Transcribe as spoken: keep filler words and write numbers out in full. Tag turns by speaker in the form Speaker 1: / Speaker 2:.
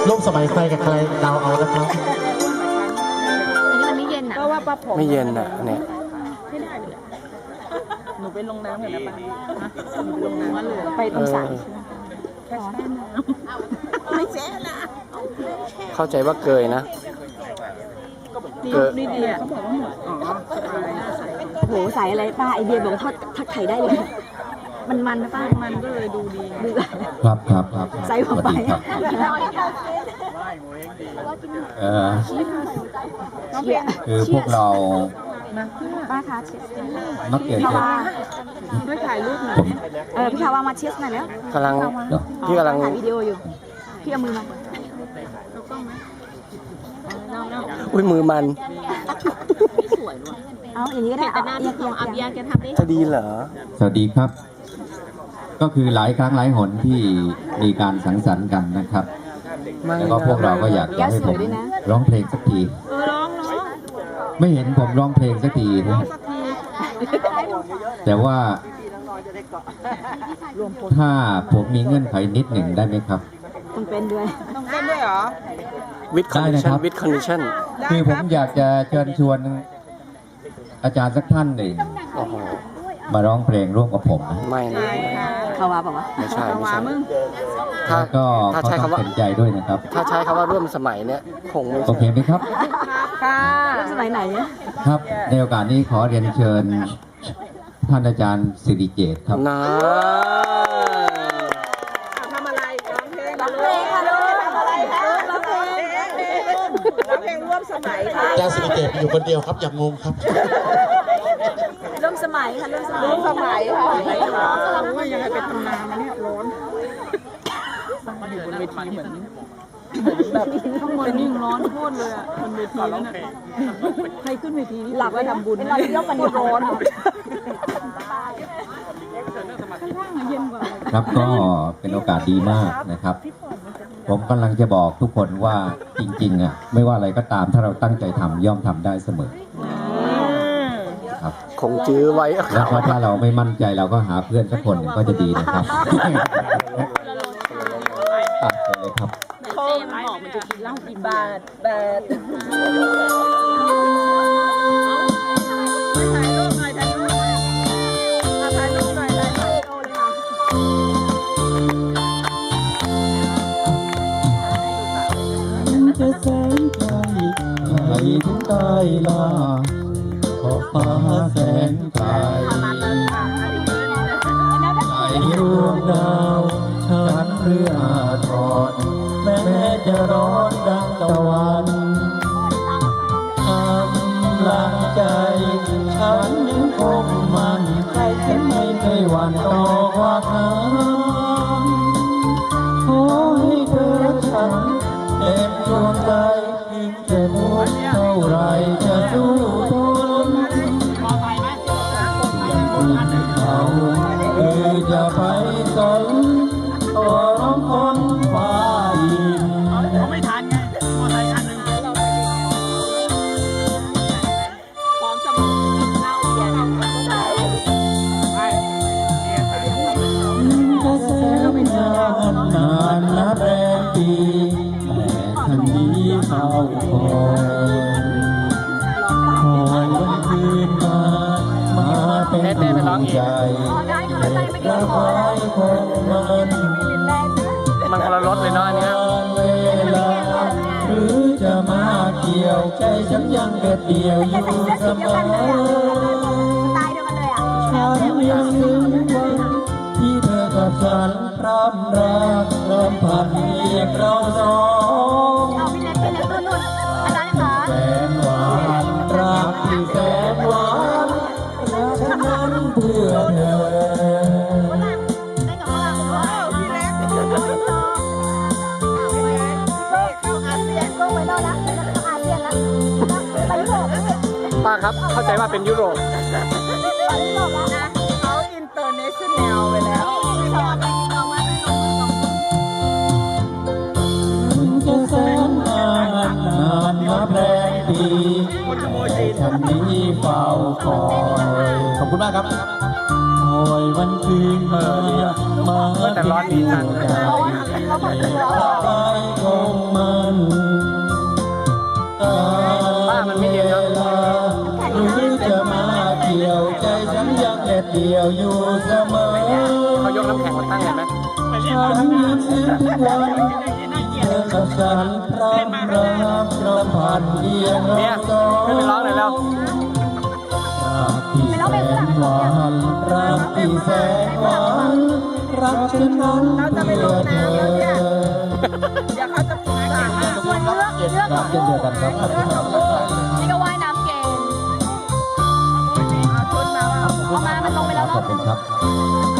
Speaker 1: ร่วมสมัยใครกับใครเดาเอานะครับ
Speaker 2: อันนี้มันไม่เย็นอ่ะ
Speaker 3: ก็ว่าป้าผม
Speaker 4: ไม่เย็นอ่ะเนี่ย
Speaker 3: ไม่ได้เลยหนูไปลงน้ำกันนะป้าหนูลงน้ำเลยไปตรงสระแค่แช่น้ำไม่แช่นะ
Speaker 4: เข้าใจว่าเกยนะ
Speaker 3: ดีนี่ดีอ่ะเขาบอกว่าหมดอ๋อ
Speaker 2: โหใส่อะไรป้าไอเดียบอกทอดทักไข่ได้เลย มันมันนะป้า
Speaker 3: มันก็เลยดูดี
Speaker 2: ดู
Speaker 5: ครับครับครับ
Speaker 2: ใส่หัวไป
Speaker 5: ครับเอ่อ
Speaker 2: เชีย
Speaker 5: คือพวกเรา
Speaker 2: ป้าคะเชีย
Speaker 5: นักเรียน
Speaker 2: พี่
Speaker 5: ค
Speaker 2: คา
Speaker 5: รับ
Speaker 2: วา
Speaker 3: ด้วยถ่ายรูปหน่อย
Speaker 5: ผม
Speaker 2: เออพี่คาวามาเชียสหน่อยแล้ว
Speaker 4: กำลัง
Speaker 5: เดี๋ยว
Speaker 4: พี่กำลัง
Speaker 2: ถ่ายวิดีโออยู่พี่เอามือมา
Speaker 4: อุ้ยมือมัน
Speaker 2: เอาอย่างนี้ก็ได้เอาเอียงเอียงเอียง
Speaker 4: จะดีเหรอ
Speaker 5: สวัสดีครับ ก็คือหลายครั้งหลายหนที่มีการสังสรรค์กันนะครับ
Speaker 4: ไม่
Speaker 5: แล้วก็พวกเราก็อยากจะให้ผมร้องเพลงสักที
Speaker 3: เออร้องร้อง
Speaker 5: ไม่เห็นผมร้องเพลงสักทีนะ
Speaker 3: สักที
Speaker 5: แต่ว่าถ้าผมมีเงื่อนไขนิดหนึ่งได้ไหมครับ
Speaker 2: ต้องเป็นด้วย
Speaker 3: ต้องเต้นด้วยเหรอ
Speaker 4: วิดคอนดิ
Speaker 5: ได้
Speaker 4: ชั่
Speaker 5: นะ
Speaker 4: น
Speaker 5: ครับ
Speaker 4: วิดคอนดิชั่น
Speaker 3: ได้
Speaker 5: คือ
Speaker 3: ค
Speaker 5: ผ
Speaker 3: รั
Speaker 5: ม
Speaker 3: บ
Speaker 5: อยากจะเชิญชวนอาจารย์สักท่านหนึ่ง
Speaker 4: โอ้โห
Speaker 5: มาร้องเพลงร่วมกับผมนะ
Speaker 4: ไม่นะ
Speaker 3: ใช่ค่ะ
Speaker 2: คาวาบอกว่า
Speaker 4: ไม่ใช่
Speaker 3: เอา
Speaker 4: ไม่
Speaker 3: วา
Speaker 4: ใช่
Speaker 3: มึง
Speaker 4: ถ้า
Speaker 5: แล้วก็
Speaker 4: ถ้า
Speaker 5: เขา
Speaker 4: ใช้
Speaker 5: ต้อง
Speaker 4: คำว่า
Speaker 5: เป็นใจด้วยนะครับ
Speaker 4: ถ้าใช้คำว่าร่วมสมัยเนี่ยคงไม่
Speaker 5: โอเค
Speaker 4: ใช่
Speaker 5: ไหมครับ
Speaker 3: ค่ะ
Speaker 2: เริ่มสมัยไหนเนี่ย
Speaker 5: ครับ ในโอกาสนี้ขอเรียนเชิญท่านอาจารย์สิริเกตครับ
Speaker 4: นะ
Speaker 3: ทำอะไรร้องเพลง
Speaker 2: ร้องเพลงค่ะลูกทำอะไรคะร้องเพลง
Speaker 3: ร้องเพลงร่วมสมัยค่ะ
Speaker 1: อาจารย์สิริเกตอยู่คนเดียวครับอย่างงงครับ
Speaker 2: ร่วมสมัยค่ะร่วมสมัย
Speaker 3: ร่วมสมัยค่ะโอ้ยยังไงเป็นตำนานมาเนี่ยร้อนมาอยู่บนเวทีเหมือนแบบข้างบนยิ่งร้อนโคตรเลยอ่ะบนเวทีนั่นน่ะใครขึ้นเวทีนี่หลักไปทำบุญนะเยอะกันร้อนข้างล่างเย็นกว่า
Speaker 5: ครับก็เป็นโอกาสดีมากนะครับ ผมกำลังจะบอกทุกคนว่าจริงๆอ่ะไม่ว่าอะไรก็ตามถ้าเราตั้งใจทำย่อมทำได้เสมอครับ
Speaker 4: คงจื้อไว้
Speaker 5: แล้วก็ถ้าเราไม่มั่นใจเราก็หาเพื่อนสักคนหนึ่งก็จะดีนะครับตัดเลยครับ
Speaker 3: โค้งบอกมันจะกินเหล้ากี่บาทบาทถ่ายรูปหน่อยถ่ายรูปหน่อยถ่ายรูปหน่อยถ่ายรูปโอเลยค่ะ
Speaker 5: จะแสนไกลไกลถึงใต้ลาขอบฟ้าแสนไกลไกลดวงดาวฉันเรือทอดแม้จะร้อนดังตะวันกำลังใจ ฉันยังคงมั่นใจฉันไม่เคยหวั่นต่อว่าทางขอให้เธอฉันเต็มดวงใจถึงจะทุกข์เท่าไรจะสู้ทนเขาคือจะไปสนตัวร้องคนฟ้าดินไม่ทันไงมอไซค์คันหนึ่ง
Speaker 3: พร้อมสมุดเล่าเรียน
Speaker 5: จะแสนนานนานนับแรมปีแต่ท่านนี้เฝ้าคอยคอยวันคืนมา มาเป็นดวงใจเด็กละไว้คงมัน
Speaker 4: มันคนละรถเลยเนาะอันเนี้ย
Speaker 5: เวลาหรือจะมาเกี่ยวใจฉันยังเด็ดเดี่ยวอยู่เสมอ
Speaker 2: ตายเดียวกันเลยอ่ะ
Speaker 5: ฉันยังนึกวันที่เธอกับฉันพร่ำรักเริ่มพันเพียงเราสอง
Speaker 2: เอาพี่เล็กพี่เล็กนู่นนู่นอาจารย์คะ
Speaker 5: แสนหวานรักที่แสนหวานรักนั้นเพื่อเธอ
Speaker 2: ได้กับว่าพี่เล็กเข้าอาเซียนก็ไปแล้วนะเข้าอาเซียนแล้วไปยุโรป
Speaker 4: ป้าครับ เข้าใจว่าเป็นยุโรป
Speaker 2: ไปยุโรปแล้วนะ
Speaker 3: เขาอินเตอร์เนชั่นแนลไปแล้ว
Speaker 2: สอนเอามาให้น้อง
Speaker 5: จะแสนนานนานนับแรมปีแต่ฉันนี้เฝ้าคอยขอบคุณมากครับคอยวันคืนมามา
Speaker 4: แต่ร้อนดีจัง
Speaker 5: ใจไปคงมา
Speaker 4: ป้ามันไม่เย็นเนาะ
Speaker 5: หรือจะมาเที่ยวใจฉันยังเด็ดเดี่ยวอยู่เสมอ
Speaker 4: เขายกน้ำแข็งมาตั้งเห็นไหม
Speaker 5: ฉันยังเห็นทุกวันเธอกับฉันพร้อมรักรำพันเพียง
Speaker 4: เนี่ย
Speaker 5: เราสอง
Speaker 4: ขึ้นไปร้องหน่อยแล้ว
Speaker 5: รักที่แสนหวานรักที่แสนหวานรักฉันนั้นเพื่อเธอ
Speaker 3: อยากเขาจะพูดอะไร
Speaker 2: ส่วนเลือกเลือก
Speaker 5: รักเช่นเดียวกันครับ
Speaker 2: นี่ก็ว่ายน้ำเก่ง
Speaker 3: เอาชุดมาว่า
Speaker 2: เอามามันลงไปแล้ว
Speaker 5: ขอ
Speaker 2: เนาะ
Speaker 5: บคุณครับ